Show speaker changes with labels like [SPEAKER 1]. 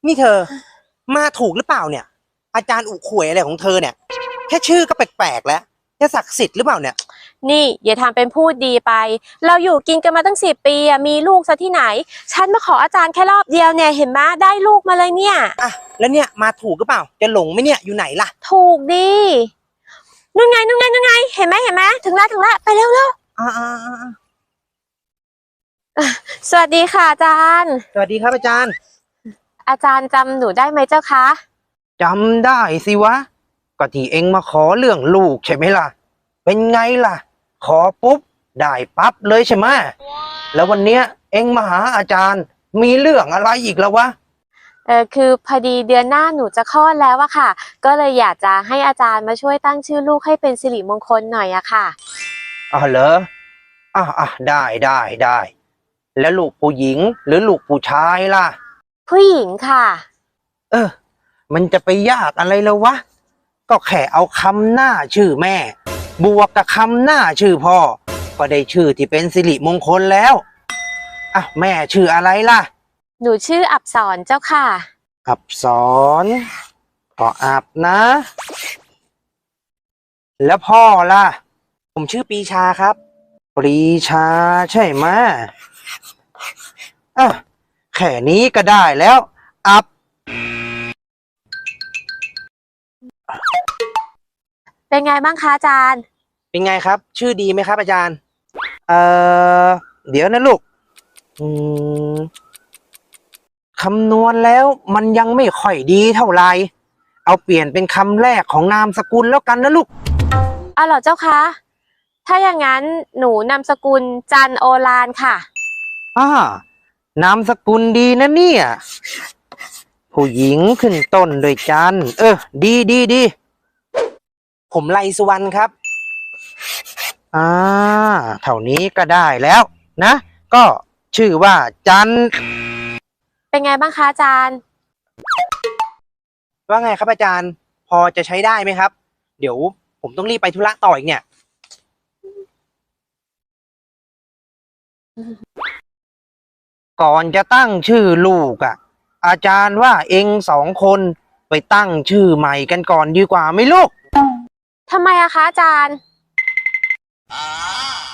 [SPEAKER 1] นี่เธอมาถูกหรือเปล่าเนี่ยอาจารย์อุขวยอะไรของเธอเนี่ยแค่ชื่อก็แปลกๆแล้วจะศักดิ์สิทธิ์หรือเปล่าเนี่ย
[SPEAKER 2] นี่อย่าทำเป็นพูดดีไปเราอยู่กินกันมาตั้ง10 ปีอะมีลูกซะที่ไหนฉันมาขออาจารย์แค่รอบเดียวเนี่ยเห็นไหมได้ลูกมาเลยเนี่ย
[SPEAKER 1] อ่ะแล้วเนี่ยมาถูกหรือเปล่าจะหลงไหมเนี่ยอยู่ไหนล่ะ
[SPEAKER 2] ถูกดีนู่นไงนู่นไงนู่นไงเห็นไหมถึงแล้วไปเร็ว
[SPEAKER 1] อ่า
[SPEAKER 2] สวัสดีค่ะอาจารย์
[SPEAKER 1] สวัสดีครับอาจารย์
[SPEAKER 2] อาจารย์จำหนูได้ไหมเจ้าคะ
[SPEAKER 1] จำได้สิวะก็ที่เอ็งมาขอเรื่องลูกใช่ไหมล่ะเป็นไงล่ะขอปุ๊บได้ปั๊บเลยใช่ไหมแล้ววันเนี้ยเอ็งมาหาอาจารย์มีเรื่องอะไรอีกแล้ววะ
[SPEAKER 2] คือพอดีเดือนหน้าหนูจะคลอดแล้วอะค่ะก็เลยอยากจะให้อาจารย์มาช่วยตั้งชื่อลูกให้เป็นสิริมงคลหน่อยอะค่ะ
[SPEAKER 1] อ๋อเหรอได้แล้วลูกผู้หญิงหรือลูกผู้ชายล่ะ
[SPEAKER 2] ผู้หญิงค่ะ
[SPEAKER 1] มันจะไปยากอะไรแล้ววะก็แค่เอาคำหน้าชื่อแม่บวกกับคำหน้าชื่อพ่อก็ได้ชื่อที่เป็นสิริมงคลแล้วแม่ชื่ออะไรล่ะ
[SPEAKER 2] หนูชื่ออับสรเจ้าค่ะ
[SPEAKER 1] อับสรขออับนะ แล้วพ่อล่ะผมชื่อปรีชาครับปรีชาใช่ไหมแค่นี้ก็ได้แล้วอับ
[SPEAKER 2] เป็นไงบ้างคะอาจารย์
[SPEAKER 1] เป็นไงครับชื่อดีไหมครับอาจารย์เอ่อเดี๋ยวนะลูกคำนวณแล้วมันยังไม่ค่อยดีเท่าไหร่เอาเปลี่ยนเป็นคำแรกของนามสกุลแล้วกันนะลูก
[SPEAKER 2] เหรอเจ้าคะถ้าอย่างนั้นหนูนามสกุลจันโอฬารค่ะ
[SPEAKER 1] นามสกุลดีนะเนี่ยผู้หญิงขึ้นต้นด้วยจันดีผมไลสุวรรณครับเท่านี้ก็ได้แล้วนะก็ชื่อว่าจัน
[SPEAKER 2] เป็นไงบ้างคะอาจารย์
[SPEAKER 1] ว่าไงครับอาจารย์พอจะใช้ได้ไหมครับเดี๋ยวผมต้องรีบไปธุระต่ออีกเนี่ยก่อนจะตั้งชื่อลูกอาจารย์ว่าเอง2 คนไปตั้งชื่อใหม่กันก่อนดีกว่าไหมลูก
[SPEAKER 2] ทำไมอะคะอาจารย์